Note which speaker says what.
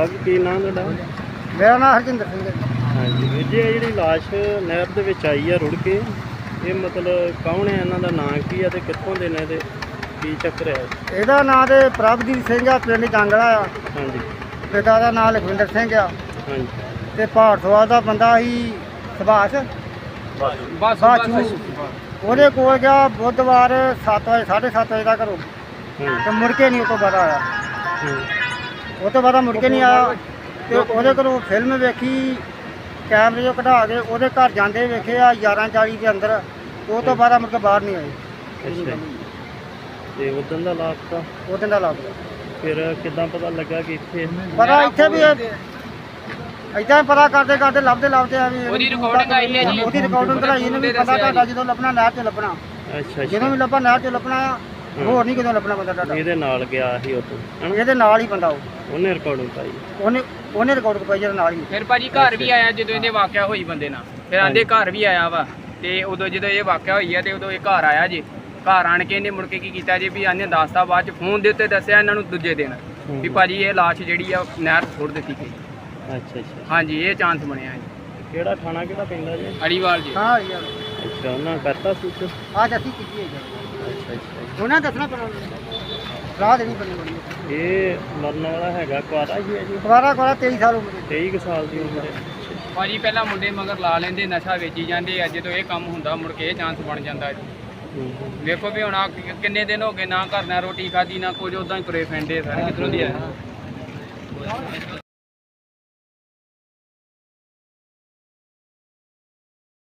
Speaker 1: ਸਾਹਿਬ ਕੀ ਨਾਮ ਤੁਹਾਡਾ?
Speaker 2: ਮੇਰਾ ਨਾਮ ਹਰਜਿੰਦਰ ਸਿੰਘ ਹੈ।
Speaker 1: ਹਾਂਜੀ ਵੀਰ ਜੀ, ਇਹ ਜਿਹੜੀ ਲਾਸ਼ ਨਹਿਰ ਦੇ ਵਿੱਚ ਆਈ ਆ ਰੁੜ ਕੇ, ਇਹ ਮਤਲਬ ਕੌਣ ਹੈ, ਇਹਨਾਂ ਦਾ ਨਾਂ ਕੀ ਆ ਤੇ ਕਿੱਥੋਂ ਦੇ ਨੇ ਤੇ ਕੀ ਚੱਕਰ ਹੈ?
Speaker 2: ਇਹਦਾ ਨਾਂ ਤੇ ਪ੍ਰਭਦੀਪ ਸਿੰਘ ਆ, ਪਿੰਡ ਜਾਂਗਲਾ ਆ।
Speaker 1: ਹਾਂਜੀ
Speaker 2: ਪਿਤਾ ਦਾ ਨਾਂ ਲਖਵਿੰਦਰ ਸਿੰਘ ਆ
Speaker 1: ਹਾਂਜੀ
Speaker 2: ਤੇ ਭਾਰਤਵਾਲ ਦਾ ਬੰਦਾ ਸੀ ਸੁਭਾਸ਼ ਬਾਛੂ। ਉਹਦੇ ਕੋਲ ਗਿਆ ਬੁੱਧਵਾਰ 7 ਵਜੇ 7:30 ਵਜੇ ਦਾ ਘਰੋਂ ਤੇ ਮੁੜ ਕੇ ਨਹੀਂ ਉਹ ਤੋਂ ਬਾਅਦ ਆਇਆ। ਉਹ ਤੋਂ ਬਾਅਦ ਮੁੜ ਕੇ ਨਹੀਂ ਆਇਆ ਤੇ ਉਹਦੇ ਕੋਲੋਂ ਫਿਲਮ ਵੇਖੀ, ਕੈਮਰੇ 'ਚੋਂ ਕਢਾ ਕੇ ਉਹਦੇ ਘਰ ਜਾਂਦੇ ਵੇਖੇ ਆ 11:40 ਦੇ ਅੰਦਰ। ਉਹ ਤੋਂ ਬਾਅਦ ਮੁੜ ਕੇ ਬਾਹਰ ਨਹੀਂ ਆਏ।
Speaker 1: ਅੱਛਾ ਤੇ ਉਦੋਂ ਦਾ ਲਾਪਤਾ
Speaker 2: ਉਹ ਦਿਨ ਦਾ ਲੱਗ ਗਿਆ।
Speaker 1: ਫਿਰ ਕਿੱਦਾਂ ਪਤਾ ਲੱਗਾ ਕਿ ਇੱਥੇ?
Speaker 2: ਪਤਾ ਇੱਥੇ ਵੀ ਏਦਾਂ ਪਤਾ ਕਰਦੇ ਕਰਦੇ ਲੱਭਦੇ ਆ ਵੀ
Speaker 3: ਉਹਦੀ ਰਿਕਾਰਡਿੰਗ ਆਈ ਹੈ ਜੀ।
Speaker 2: ਉਹਦੀ ਰਿਕਾਰਡਿੰਗ ਕਢਾਈ ਇਹਨੂੰ ਵੀ ਪਤਾ ਤੁਹਾਡਾ ਜਦੋਂ ਲੱਭਣਾ ਨਹਿਰ 'ਚ ਲੱਭਣਾ,
Speaker 1: ਅੱਛਾ
Speaker 2: ਜਦੋਂ
Speaker 1: ਅੱਛਾ,
Speaker 2: ਵੀ ਲੱਭਾ ਨਹਿਰ 'ਚ ਲੱਭਣਾ ਆ, ਹੋਰ ਨਹੀਂ ਕਿਦੋਂ ਲੱਭਣਾ ਬੰਦਾ ਤੁਹਾਡਾ।
Speaker 1: ਇਹਦੇ ਨਾਲ ਗਿਆ ਸੀ ਉਦੋਂ ਹਨਾ?
Speaker 2: ਇਹਦੇ ਨਾਲ ਹੀ ਬੰਦਾ ਉਹ
Speaker 1: ਉਹਨੇ ਰਿਕਾਰਡਿੰਗ ਪਾਈ?
Speaker 2: ਉਹਨੇ ਰਿਕਾਰਡ ਪਾਈ ਜਿਹਦੇ ਨਾਲ ਹੀ।
Speaker 3: ਫਿਰ ਭਾਜੀ ਘਰ ਵੀ ਆਇਆ ਜਦੋਂ ਇਹਦੇ ਵਾਕਿਆ ਹੋਈ ਬੰਦੇ ਨਾਲ, ਫਿਰ ਆਂਦੇ ਘਰ ਵੀ ਆਇਆ ਵਾ। ਤੇ ਉਦੋਂ ਜਦੋਂ ਇਹ ਵਾਕਿਆ ਹੋਈ ਆ ਤੇ ਉਦੋਂ ਇਹ ਘਰ ਆਇਆ ਜੀ। ਘਰ ਆਣ ਕੇ ਇਹਨੇ ਮੁੜ ਕੇ ਕੀ ਕੀਤਾ ਜੀ ਵੀ ਆਨੇ ਦੱਸਤਾ, ਬਾਅਦ ਚ ਫੋਨ ਦੇ ਉੱਤੇ ਦੱਸਿਆ ਇਹਨਾਂ ਨੂੰ ਦੂਜੇ ਦਿਨ ਵੀ ਭਾਜੀ ਇਹ ਲਾਸ਼ ਜਿਹੜੀ ਆ ਨਹਿਰ 'ਚ ਸੁੱਟ ਦਿੱਤੀ ਗਈ।
Speaker 1: ਅੱਛਾ ਅੱਛਾ,
Speaker 3: ਹਾਂਜੀ ਇਹ ਚਾਂਸ ਬਣਿਆ ਜੀ।
Speaker 1: ਕਿਹੜਾ ਥਾਣਾ ਕਿਹੜਾ ਪੈਂਦਾ ਜੀ?
Speaker 3: ਅੜੀਵਾਲ ਜੀ।
Speaker 2: ਹਾਂ ਯਾਰ
Speaker 1: ਅੱਛਾ, ਉਹਨਾਂ ਕਰਤਾ ਸੂਚ?
Speaker 2: ਆ ਜੱਸੀ ਕੀਤੀ ਹੈ
Speaker 1: ਅੱਛਾ ਅੱਛਾ,
Speaker 2: ਉਹਨਾਂ ਦੱਸਣਾ ਪੈਣਾ, ਰਾਹ ਦੇਣੀ ਪੈਣੀ ਬੜੀ।
Speaker 1: ਇਹ ਮਰਨ ਵਾਲਾ ਹੈਗਾ, ਕੁਆਰਾ ਹੀ ਹੈ ਜੀ?
Speaker 2: ਦੁਬਾਰਾ 23 ਸਾਲ ਉਮਰ ਦੀ।
Speaker 1: 23 ਕੁ ਸਾਲ ਦੀ ਉਮਰ ਹੈ।
Speaker 3: ਭਾਜੀ ਪਹਿਲਾਂ ਮੁੰਡੇ ਮਗਰ ਲਾ ਲੈਂਦੇ, ਨਸ਼ਾ ਵੇਚੀ ਜਾਂਦੇ ਆ, ਜਦੋਂ ਇਹ ਕੰਮ ਹੁੰਦਾ ਮੁੜ ਕੇ ਇਹ ਚਾਂਸ ਬਣ ਜਾਂਦਾ ਜੀ। ਵੇਖੋ ਵੀ ਹੁਣ ਕਿੰਨੇ ਦਿਨ ਹੋ ਗਏ ਨਾ ਘਰ ਨਾ ਰੋਟੀ ਖਾਧੀ ਨਾ ਕੁਝ, ਉਦਾਂ ਹੀ ਤੁਰੇ ਫਿਰਦੇ ਸਾਰੇ। ਕਿੱਧਰੋਂ ਦੀ ਆਏ?